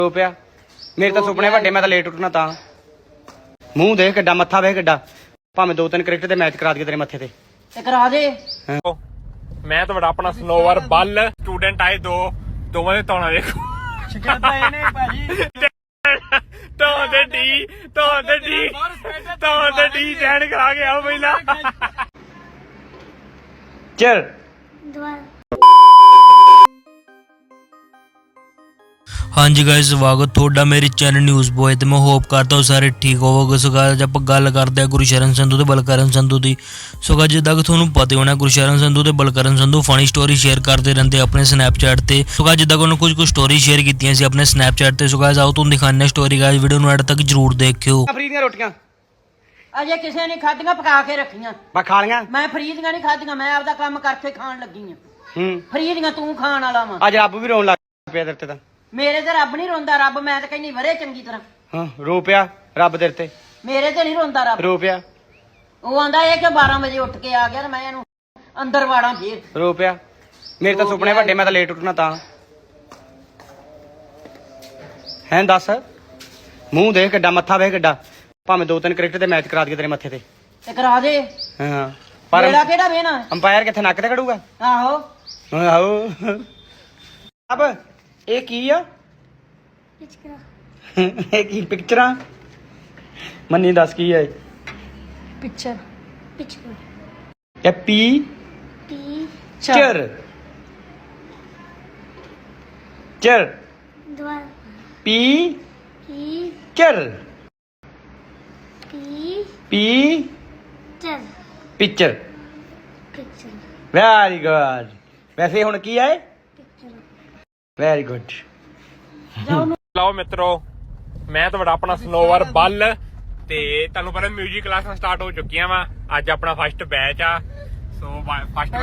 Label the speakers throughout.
Speaker 1: रो पिया मेरे तो सुपने वड्डे मैं तो लेट उठना ता मूंह देख किड्डा मत्था वेख किड्डा भावें 2-3 क्रिकेट दे मैच करा दिए तेरे मत्थे ते
Speaker 2: करा दे।
Speaker 3: मैं तो बड़ा अपना स्नोवर बल स्टूडेंट आए दोवां दे तौणा देखो
Speaker 2: शिकायतां ने भाजी
Speaker 3: तो डी जैन करा के आओ पहिला
Speaker 1: चल
Speaker 4: हाँ जी गाइस स्वागत थोड़ा मेरे चैनल न्यूज़ बॉय ते मैं होप करता हूँ सारे ठीक होवोगे। सो गाइस आप गल करते हैं गुरशरण संधू ते बलकरण संधू की। सो गाइस जिद्दां कि तुहानूं पता होना गुरशरण संधू ते Balkaran Sandhu funny story share करते रहते अपने स्नैपचैट ते। सो गाइस जिद्दां कि उन्होंने कुछ स्टोरी शेयर कीतियां सी अपने स्नैपचैट ते। सो गाइस आओ तुहानूं दिखाने स्टोरी गाइस वीडियो नूं एंड तक जरूर देखियो।
Speaker 1: फ्री दी रोटियां
Speaker 2: अजे किसी ने खादियां पका के रखियां
Speaker 1: मैं खा लिया
Speaker 2: मैं फ्री दियां नहीं खादियां मैं आपदा काम करके खाण लगी हां। फ्री दियां तू खाण वाला वा
Speaker 1: अज रब भी रोन लग पिया तेरे ते
Speaker 2: मेरे ते रब नहीं रोंदा रब मैं ते कहनी वरे चंगी तरह
Speaker 1: हाँ रो पिया रब तेरे ते
Speaker 2: मेरे ते नहीं रोंदा रब
Speaker 1: रो पिया
Speaker 2: ਉਹ ਆਂਦਾ ਇਹ ਕਿ 12 ਵਜੇ ਉੱਠ ਕੇ ਆ ਗਿਆ ਤੇ ਮੈਂ ਇਹਨੂੰ ਅੰਦਰ ਵਾੜਾਂ ਫੇਰ
Speaker 1: रो पिया मेरे तो सुपने वड्डे मैं तो लेट उठना ता हैं दस मूंह देख किड्डा मत्था वेख किड्डा भावें 2-3 क्रिकेट दे मैच करा दिए तेरे मत्थे ते
Speaker 2: ਤੇ ਕਰਾ ਦੇ
Speaker 1: हाँ पर
Speaker 2: ਮੇਰਾ ਕਿਹੜਾ ਵੇਣਾ
Speaker 1: अंपायर कित्थे नक ते कड़ूगा
Speaker 2: ਆਹੋ
Speaker 1: आहो अब ये की आ ये की पिक्चरां मन्नी दस की है
Speaker 5: पिक्चर
Speaker 1: ये पी चर चर पी चर पी पिक्चर वेरी गुड वैसे हुण की है वेरी गुड
Speaker 3: ਲਓ ਮਿੱਤਰੋ ਮੈਂ ਤਾਂ ਬੜਾ ਆਪਣਾ ਸਨੋਵਰ ਬਲ ਤੇ ਤੁਹਾਨੂੰ ਪਤਾ ਮਿਊਜ਼ਿਕ ਕਲਾਸਾਂ ਸਟਾਰਟ ਹੋ ਚੁੱਕੀਆਂ ਵਾ ਅੱਜ ਆਪਣਾ ਫਸਟ ਬੈਚ ਆ ਸੋ ਫਸਟ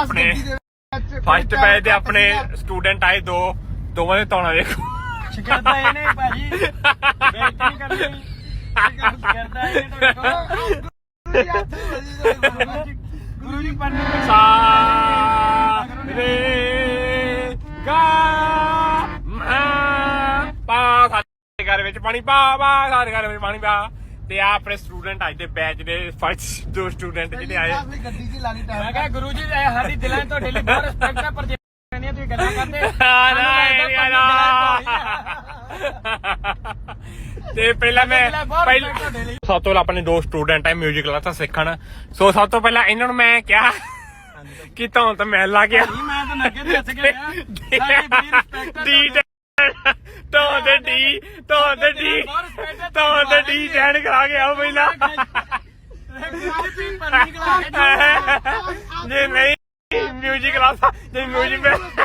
Speaker 3: ਬੈਚ ਦੇ ਆਪਣੇ ਸਟੂਡੈਂਟ ਆਏ ਦੋਵਾਂ ਦੇ ਤੌਣਾ ਦੇਖੋ
Speaker 2: ਸ਼ਿਕਾਇਤਾਂ ਨੇ ਭਾਜੀ ਬੇਇੱਜ਼ਤੀ ਕਰਨੀ ਸ਼ਿਕਾਇਤਾਂ ਨੇ ਗੁਰੂ ਜੀ ਪੜ੍ਹਨੇ
Speaker 3: ਸਾ ਰੇ ਗਾ ਪਾ ਸਾਡੇ ਘਰ ਵਿੱਚ ਪਾਣੀ ਪਾ ਸਾਡੇ ਘਰ ਵਿੱਚ ਪਾਣੀ ਪਾ ਤੇ ਆ ਆਪਣੇ ਸਟੂਡੈਂਟ ਅੱਜ ਦੇ ਬੈਚ ਦੇ ਫਸਟ ਦੋ ਸਟੂਡੈਂਟ ਜਿਹੜੇ ਆਏ
Speaker 2: ਮੈਂ ਕਿਹਾ ਗੁਰੂ ਜੀ ਸਾਡੀ ਦਿਲਾਂ ਤੁਹਾਡੇ ਲਈ ਬਹੁਤ ਰਿਸਪੈਕਟ ਹੈ ਪਰ ਜੇ ਤੁਸੀਂ ਗੱਲਾਂ ਕਰਦੇ
Speaker 3: ਤੇ ਪਹਿਲਾਂ ਸਭ ਤੋਂ ਆਪਣੇ ਦੋ ਸਟੂਡੈਂਟ ਹੈ ਮਿਊਜ਼ਿਕ ਕਲਾਸਾਂ ਸਿੱਖਣ ਸੋ ਸਭ ਤੋਂ ਪਹਿਲਾਂ ਇਹਨਾਂ ਨੂੰ ਮੈਂ ਕਿਹਾ ਕਿ ਤਾਂ ਮੈਂ ਲਾ ਗਿਆ
Speaker 2: ਮੈਂ ਤਾਂ ਨੱਕੇ ਤੇ ਹੱਸ ਗਿਆ ਸਾਡੀ ਬੜੀ ਰਿਸਪੈਕਟ ਹੈ
Speaker 3: तो डी जैन करा के आओ पहिला जे नहीं म्यूजिक क्लास जे म्यूजिक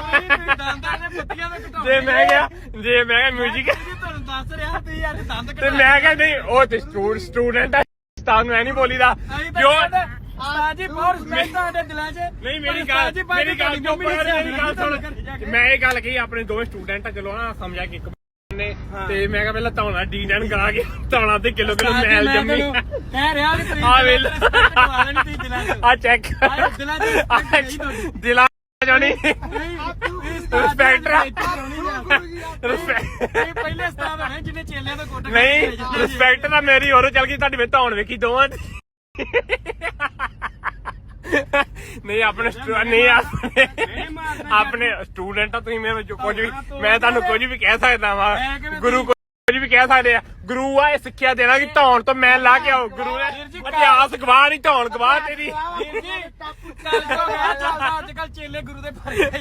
Speaker 3: जे मैं क्या म्यूजिक ते मैं क्या नहीं ओ स्टूडेंट है उस्ताद मैं नहीं बोली दा क्यों
Speaker 2: ਜੀ ਬਹੁਤ ਰਿਸਪੈਕਟ ਤੁਹਾਡੇ ਦਿਲਾਂ 'ਚ
Speaker 3: ਨਹੀਂ ਮੇਰੀ ਗੱਲ ਸੁਣ ਮੈਂ ਇਹ ਗੱਲ ਕਹੀ ਆਪਣੇ ਦੋਵੇਂ ਸਟੂਡੈਂਟ ਆ ਚਲੋ ਨਾ ਸਮਝਿਆ ਕਿ ਇੱਕ ਨੇ ਤੇ ਮੈਂ ਕਿਹਾ ਪਹਿਲਾਂ ਧੌਣਾ ਡੀ-ਜੈਨ ਕਰਾ ਕੇ ਧੌਣਾ ਤੇ ਕਿਲੋ ਮੈਲ ਜੰਮੀ
Speaker 2: ਕਹਿ ਰਿਹਾ ਕਿ
Speaker 3: ਆ ਵੇਲ ਆ ਚੈੱਕ ਦਿਲਾਂ ਜਾਣੀ ਰਿਸਪੈਕਟਰ
Speaker 2: ਪਹਿਲੇ ਸਟਾਫ ਹੈ ਜਿਹਨੇ ਚੇਲਿਆਂ ਦਾ ਕੋਟ
Speaker 3: ਨਹੀਂ ਰਿਸਪੈਕਟ ਤਾਂ ਮੇਰੀ ਹੋਰ ਚੱਲ ਗਈ ਤੁਹਾਡੀ ਵਿੱਚ ਧੌਣ ਵੇਖੀ ਦੋਵਾਂ ਦੀ ਨਹੀਂ ਆਪਣੇ ਆਪਣੇ ਸਟੂਡੈਂਟ ਆ ਤੁਸੀਂ ਮੇਰੇ ਵਿੱਚ ਕੁਝ ਵੀ ਮੈਂ ਤੁਹਾਨੂੰ ਕੁਝ ਵੀ ਕਹਿ ਸਕਦਾ ਵਾ ਗੁਰੂ ਕੁਝ ਵੀ ਕਹਿ ਸਕਦੇ ਆ ਗੁਰੂ ਆ ਇਹ ਸਿੱਖਿਆ ਦੇਣਾ ਕਿ ਧੌਣ ਤੋਂ ਮੈਂ ਲਾ ਕੇ ਆਓ ਗੁਰੂ ਨੇ ਇਤਿਹਾਸ ਗਵਾਹ ਨਹੀਂ ਧੌਣ ਗਵਾਹ ਤੇਰੀ
Speaker 2: ਅੱਜ ਕੱਲ ਚੇਲੇ ਗੁਰੂ ਦੇ ਭਰੇ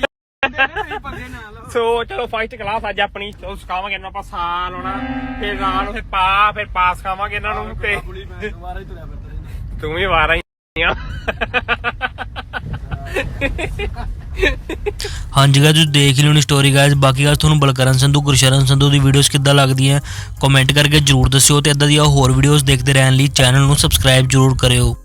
Speaker 3: ਸੋ ਚਲੋ ਫਸਟ ਕਲਾਸ ਅੱਜ ਆਪਣੀ ਚਲੋ ਸਿਖਾਵਾਂਗੇ ਇਹਨਾਂ ਆਪਾਂ ਸਾਲ ਹੋਣਾ ਫਿਰ ਰਾਲ ਫਿਰ ਪਾਸ ਖਾਵਾਂਗੇ ਇਹਨਾਂ ਨੂੰ ਤੇ ਤੂੰ ਵੀ ਵਾਰਾ
Speaker 4: हाँ जी गाइस देख ली स्टोरी गाइस बाकी गाइस तुहानूं बलकरण संधू गुरशरण संधू दी वीडियोस किद्दां लगदियां कमेंट करके जरूर दस्सिओ ते इदां दी होर वीडियोस देखदे रहण लई चैनल नूं सबसक्राइब जरूर करिओ।